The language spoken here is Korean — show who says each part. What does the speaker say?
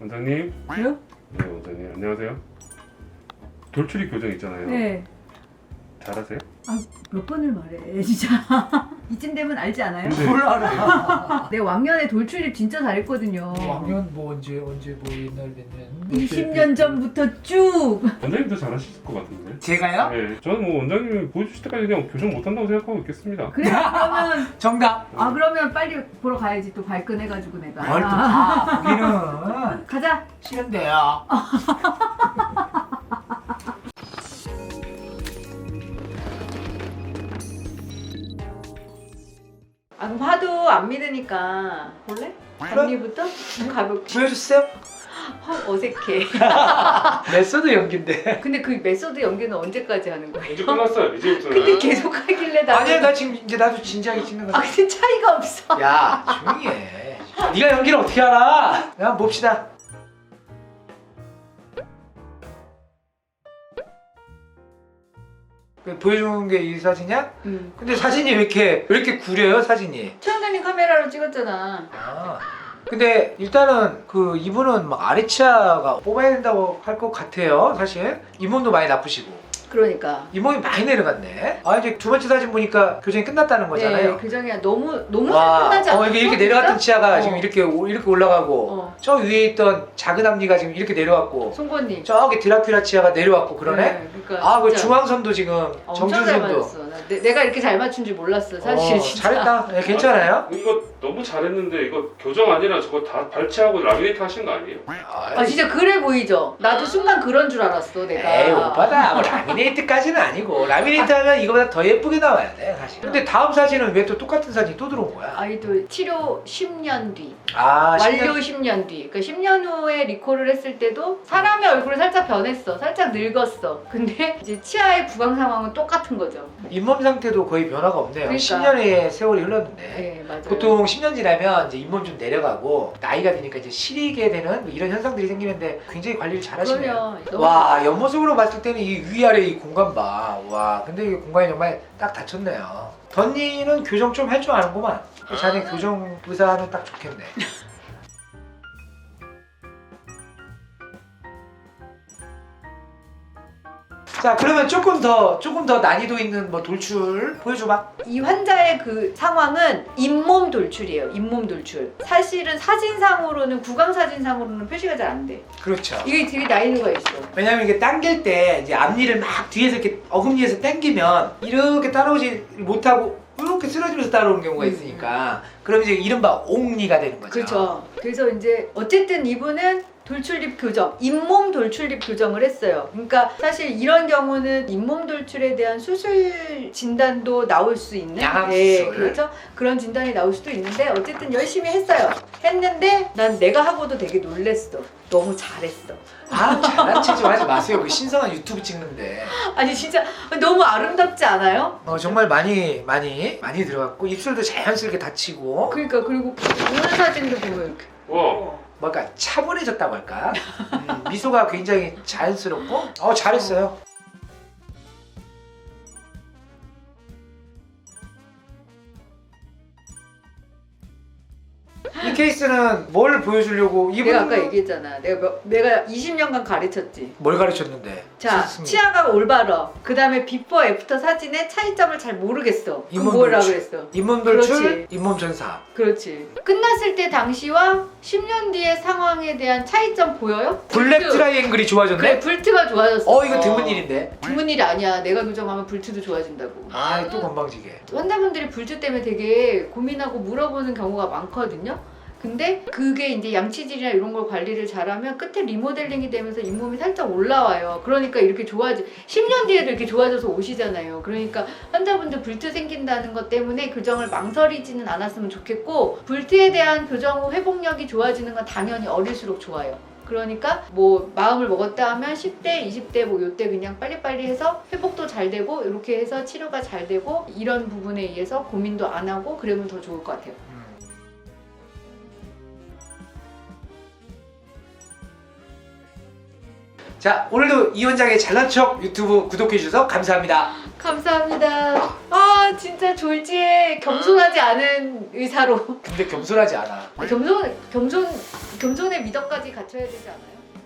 Speaker 1: 원장님.
Speaker 2: 저요?
Speaker 1: 네, 원장님 안녕하세요. 돌출입 교정 있잖아요.
Speaker 2: 네.
Speaker 1: 잘하세요?
Speaker 2: 아, 몇 번을 말해 진짜. 이쯤 되면 알지 않아요?
Speaker 1: 근데
Speaker 3: 뭘 알아요?
Speaker 2: 내 왕년에 돌출입 진짜 잘했거든요.
Speaker 3: 왕년 뭐 언제 뭐 옛날 몇 년?
Speaker 2: 20년 전부터 쭉.
Speaker 1: 원장님도 잘하실 것 같은데.
Speaker 3: 제가요?
Speaker 1: 네, 저는 뭐 원장님이 보여주실 때까지 그냥 교정 못한다고 생각하고 있겠습니다.
Speaker 2: 그래 그러면
Speaker 3: 정답.
Speaker 2: 그러면 빨리 보러 가야지. 또 발끈해가지고 내가.
Speaker 3: 뭘 또 거기는
Speaker 2: 가자.
Speaker 3: 싫은데요.
Speaker 2: 그럼 하도 안 믿으니까 볼래? 언니부터 가볍게.
Speaker 3: 보여주세요.
Speaker 2: 어색해.
Speaker 3: 메소드 연기인데.
Speaker 2: 근데 그 메소드 연기는 언제까지 하는 거예요?
Speaker 1: 이제 끝났어요. 이제부터는.
Speaker 2: 근데 계속 하길래 나.
Speaker 3: 아니야 나 지금 이제 나도 진지하게 찍는 거야.
Speaker 2: 근데 차이가 없어.
Speaker 3: 야 조용히 해. 네가 연기를 어떻게 알아? 야 한번 봅시다. 보여주는 게 이 사진이야? 근데 사진이 왜 이렇게 구려요 사진이?
Speaker 2: 최원장님 카메라로 찍었잖아.
Speaker 3: 아. 근데 일단은 그 이분은 막 아래치아가 뽑아야 된다고 할 것 같아요 사실. 잇몸도 많이 나쁘시고
Speaker 2: 그러니까.
Speaker 3: 잇몸이 많이 내려갔네. 아 이제 두 번째 사진 보니까 교정이 끝났다는 거잖아요.
Speaker 2: 네, 교정이 너무
Speaker 3: 와,
Speaker 2: 끝나지 않았어?
Speaker 3: 이렇게 내려갔던 치아가
Speaker 2: 어.
Speaker 3: 지금 이렇게 올라가고 저 위에 있던 작은 앞니가 지금 이렇게 내려왔고
Speaker 2: 송곳니.
Speaker 3: 저기 드라큘라 치아가 내려왔고 그러네.
Speaker 2: 네, 그러니까
Speaker 3: 아 그
Speaker 2: 진짜
Speaker 3: 중앙선도 지금
Speaker 2: 엄청 잘
Speaker 3: 정중선도.
Speaker 2: 맞았어. 내가 이렇게 잘 맞춘 줄 몰랐어 사실. 진짜.
Speaker 3: 잘했다. 네, 괜찮아요?
Speaker 1: 이거 너무 잘했는데 이거 교정 아니라 저거 다 발치하고 라미네이트 하신 거 아니에요?
Speaker 2: 아 진짜 그래 보이죠? 나도 순간 그런 줄 알았어 내가.
Speaker 3: 에이 오빠다 뭐 라미네이트까지는 아니고 라미네이트 하면 이거보다 더 예쁘게 나와야 돼 사실. 근데 다음 사진은 왜 또 똑같은 사진이 또 들어온 거야?
Speaker 2: 아이돌 치료 10년 뒤.
Speaker 3: 아
Speaker 2: 완료 10년 뒤. 그러니까 10년 후에 리콜을 했을 때도 사람의 얼굴이 살짝 변했어. 살짝 늙었어. 근데 이제 치아의 부강 상황은 똑같은 거죠.
Speaker 3: 잇몸 상태도 거의 변화가 없네요.
Speaker 2: 그러니까.
Speaker 3: 10년의 세월이 흘렀는데
Speaker 2: 네 맞아요.
Speaker 3: 보통 10년 지나면 이제 잇몸 좀 내려가고 나이가 드니까 이제 시리게 되는 뭐 이런 현상들이 생기는데 굉장히 관리를 잘 하시네요.
Speaker 2: 그럼요.
Speaker 3: 와 옆모습으로 봤을 때는 이 위아래 이 공간 봐. 와 근데 이 공간이 정말 딱 닫혔네요. 던니는 교정 좀 할 줄 아는구만. 자네 교정 의사는 딱 좋겠네. 자 그러면 조금 더 난이도 있는 뭐 돌출 보여줘봐.
Speaker 2: 이 환자의 그 상황은 잇몸 돌출이에요. 잇몸 돌출. 사실은 사진상으로는 구강 사진상으로는 표시가 잘 안 돼.
Speaker 3: 그렇죠.
Speaker 2: 이게 되게 난이도가 있어.
Speaker 3: 왜냐면 이게 당길 때 이제 앞니를 막 뒤에서 이렇게 어금니에서 당기면 이렇게 따라오지 못하고 이렇게 쓰러지면서 따라오는 경우가 있으니까 그럼 이제 이른바 옥니가 되는 거죠.
Speaker 2: 그렇죠. 그래서 이제 어쨌든 이분은 돌출입 교정, 잇몸 돌출입 교정을 했어요. 그러니까 사실 이런 경우는 잇몸 돌출에 대한 수술 진단도 나올 수 있는
Speaker 3: 양압수술.
Speaker 2: 그렇죠. 그런 진단이 나올 수도 있는데 어쨌든 열심히 했어요. 했는데 난 내가 하고도 되게 놀랬어. 너무 잘했어.
Speaker 3: 아 잘난 체 좀 하지 마세요. 그 신선한 유튜브 찍는데.
Speaker 2: 아니 진짜 너무 아름답지 않아요?
Speaker 3: 정말 많이 들어갔고 입술도 자연스럽게 닫히고
Speaker 2: 그러니까 그리고 오늘 사진도 보면 이렇게
Speaker 1: 와.
Speaker 3: 뭔가 차분해졌다고 할까? 미소가 굉장히 자연스럽고 잘했어요. 이 케이스는 뭘 보여주려고 이분
Speaker 2: 내가 아까 얘기했잖아. 내가 20년간 가르쳤지.
Speaker 3: 뭘 가르쳤는데?
Speaker 2: 자,
Speaker 3: 좋습니다.
Speaker 2: 치아가 올바러. 그 다음에 비포 애프터 사진의 차이점을 잘 모르겠어. 그럼
Speaker 3: 잇몸
Speaker 2: 뭐라
Speaker 3: 돌출.
Speaker 2: 그랬어?
Speaker 3: 잇몸 돌출,
Speaker 2: 그렇지.
Speaker 3: 잇몸 전사.
Speaker 2: 그렇지. 끝났을 때 당시와 10년 뒤의 상황에 대한 차이점 보여요?
Speaker 3: 블랙
Speaker 2: 불트.
Speaker 3: 트라이앵글이 좋아졌네?
Speaker 2: 그래, 불트가 좋아졌어.
Speaker 3: 이거 드문 일인데?
Speaker 2: 드문 일이 아니야. 내가 교정하면 불트도 좋아진다고.
Speaker 3: 또 건방지게.
Speaker 2: 환자분들이 불트 때문에 되게 고민하고 물어보는 경우가 많거든요. 근데 그게 이제 양치질이나 이런 걸 관리를 잘하면 끝에 리모델링이 되면서 잇몸이 살짝 올라와요. 그러니까 이렇게 10년 뒤에도 이렇게 좋아져서 오시잖아요. 그러니까 환자분들 불트 생긴다는 것 때문에 교정을 망설이지는 않았으면 좋겠고, 불트에 대한 교정 후 회복력이 좋아지는 건 당연히 어릴수록 좋아요. 그러니까 뭐 마음을 먹었다 하면 10대, 20대 뭐 요때 그냥 빨리빨리 해서 회복도 잘 되고 이렇게 해서 치료가 잘 되고 이런 부분에 의해서 고민도 안 하고 그러면 더 좋을 것 같아요.
Speaker 3: 자 오늘도 이 원장의 잘난 척 유튜브 구독해주셔서 감사합니다.
Speaker 2: 감사합니다. 아 진짜 졸지에 겸손하지 않은 의사로.
Speaker 3: 근데 겸손하지 않아.
Speaker 2: 겸손의 미덕까지 갖춰야 되지 않아요?